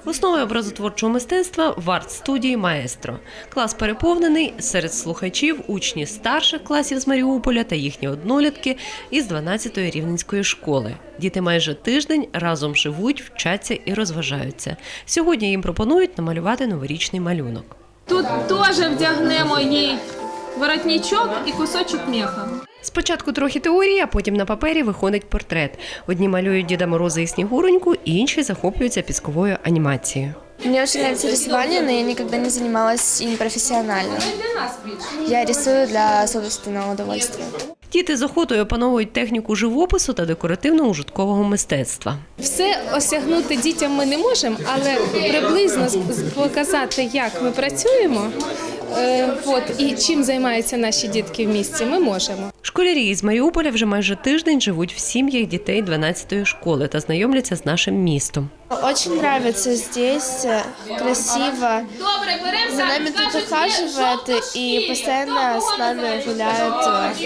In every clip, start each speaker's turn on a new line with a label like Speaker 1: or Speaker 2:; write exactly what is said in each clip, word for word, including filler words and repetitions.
Speaker 1: Основи образотворчого мистецтва в арт-студії «Маестро». Клас переповнений, серед слухачів – учні старших класів з Маріуполя та їхні однолітки із дванадцятої рівненської школи. Діти майже тиждень разом живуть, вчаться і розважаються. Сьогодні їм пропонують намалювати новорічний малюнок.
Speaker 2: Тут теж вдягнемо їй воротничок і кусочок меха.
Speaker 1: Спочатку трохи теорії, а потім на папері виходить портрет. Одні малюють Діда Мороза і Снігуроньку, інші захоплюються пісковою анімацією.
Speaker 3: Мне очень нравится рисование, но я никогда не занималась им профессионально. Я рисую для собственного удовольствия.
Speaker 1: Діти з охотою опановують техніку живопису та декоративно-ужиткового мистецтва.
Speaker 2: Все осягнути дітям ми не можемо, але приблизно показати, як ми працюємо, е, от, і чим займаються наші дітки в місті, ми можемо.
Speaker 1: Школярі із Маріуполя вже майже тиждень живуть в сім'ях дітей дванадцятої школи та знайомляться з нашим містом.
Speaker 3: Очень нравится здесь, красиво. За нами тут ухаживают и постоянно с нами гуляют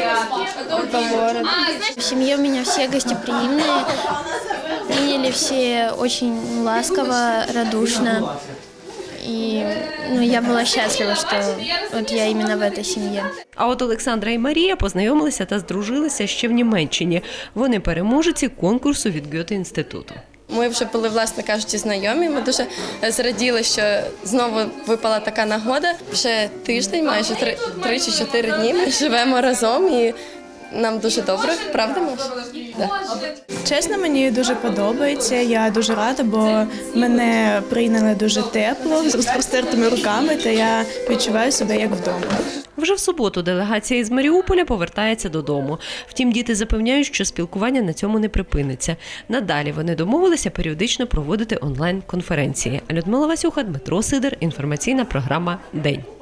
Speaker 3: по городу.
Speaker 4: В семье у меня все гостеприимные, приняли все очень ласково, радушно. И ну, я была счастлива, что вот я именно в этой семье.
Speaker 1: А от Олександра і Марія познайомилися та здружилися ще в Німеччині. Вони переможці конкурсу від Гьоте-інституту.
Speaker 5: Ми вже були, власне кажучи, знайомі. Ми дуже зраділи, що знову випала така нагода. Вже тиждень, майже три, три чи чотири дні ми живемо разом і нам дуже добре, правда, Маш? Да.
Speaker 6: Чесно, мені дуже подобається, я дуже рада, бо мене прийняли дуже тепло, з розпростертими руками, та я відчуваю себе як вдома.
Speaker 1: Вже в суботу делегація із Маріуполя повертається додому. Втім, діти запевняють, що спілкування на цьому не припиниться. Надалі вони домовилися періодично проводити онлайн-конференції. Людмила Васюха, Дмитро Сидор. Інформаційна програма «День».